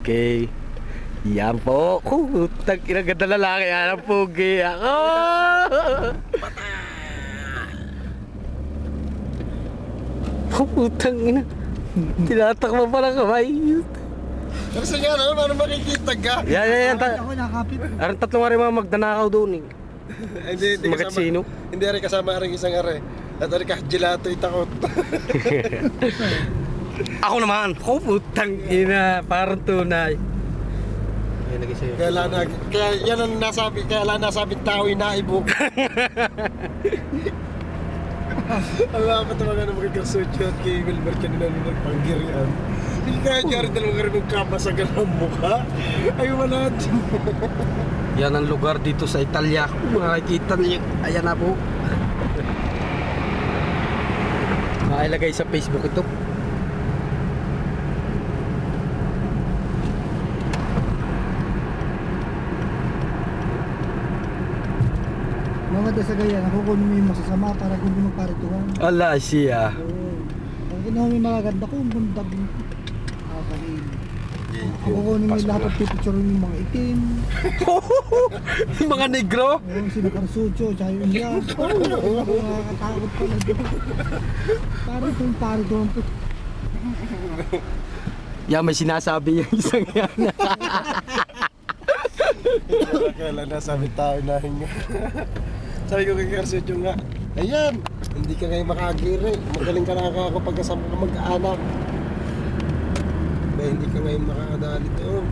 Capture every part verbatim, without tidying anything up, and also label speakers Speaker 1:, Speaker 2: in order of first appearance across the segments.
Speaker 1: Okay. Yan po. Oh, tag ina ganda lalaki. Yan ang pugi. Ako. Oh, putang ina. Tinatakbo pa ng kamay.
Speaker 2: Kasi nga naman, ano makikita ka?
Speaker 1: Yan, yan, yan. Ta-
Speaker 3: Ako nakapit.
Speaker 1: Aran tatlong ari mga magdanakaw doon eh.
Speaker 2: Hindi, hindi
Speaker 1: Magat
Speaker 2: kasama.
Speaker 1: sino?
Speaker 2: Hindi rin kasama rin isang are. At ari ka, gelato itakot.
Speaker 1: Ako naman. Oh, putang ina. Parang tunay. Ay, lagi sa'yo.
Speaker 2: Kaya lang, na- kaya yan ang nasabi, kaya lang nasabi tao inaibok. Ang mga patawagan ng mga kasutyo at kay Wilbert kanila nung nagpanggirian. Hindi kaya niya rin dalawang ka rin magkamasagal ang mukha. Ay, wala din.
Speaker 1: Yan ang lugar dito sa Italia. Kung makikita niyo, ayan na po. Mailagay sa Facebook ito.
Speaker 3: Mga sa gaya, nakukunin mo yung masasama para kung mo magparituhan.
Speaker 1: Ala siya.
Speaker 3: Oo. Pag kinuha mo yung magaganda ko, ang bundag mo. Kakain. Kukunin mo yung lahat at pipicture mo yung mga itim.
Speaker 1: Mga negro.
Speaker 3: Oo, sino Karsutyo, tsaka yung iyan. Oo, nakakatakot pala doon. Parang kung parituhan po.
Speaker 1: Yan, may sinasabi yung isang yan.
Speaker 2: Kaya lang nasabi tao inahinga. Sabi ko kay Karsutyo nga, ayan, hindi ka ngayon makagiri. Magaling ka na kapag kasama ka mag-anak. Ba, hindi ka ngayon makakadali doon.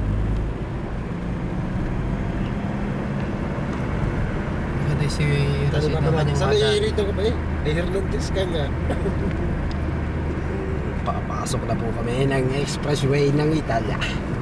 Speaker 4: Maganda si
Speaker 2: Tanong
Speaker 4: Rashid
Speaker 2: ka
Speaker 4: naman
Speaker 2: naman,
Speaker 4: yung
Speaker 2: saan
Speaker 4: bata.
Speaker 2: naiirito ka ba eh? Ay, Hernandez ka nga.
Speaker 1: Papasok na po kami ng expressway ng Italia.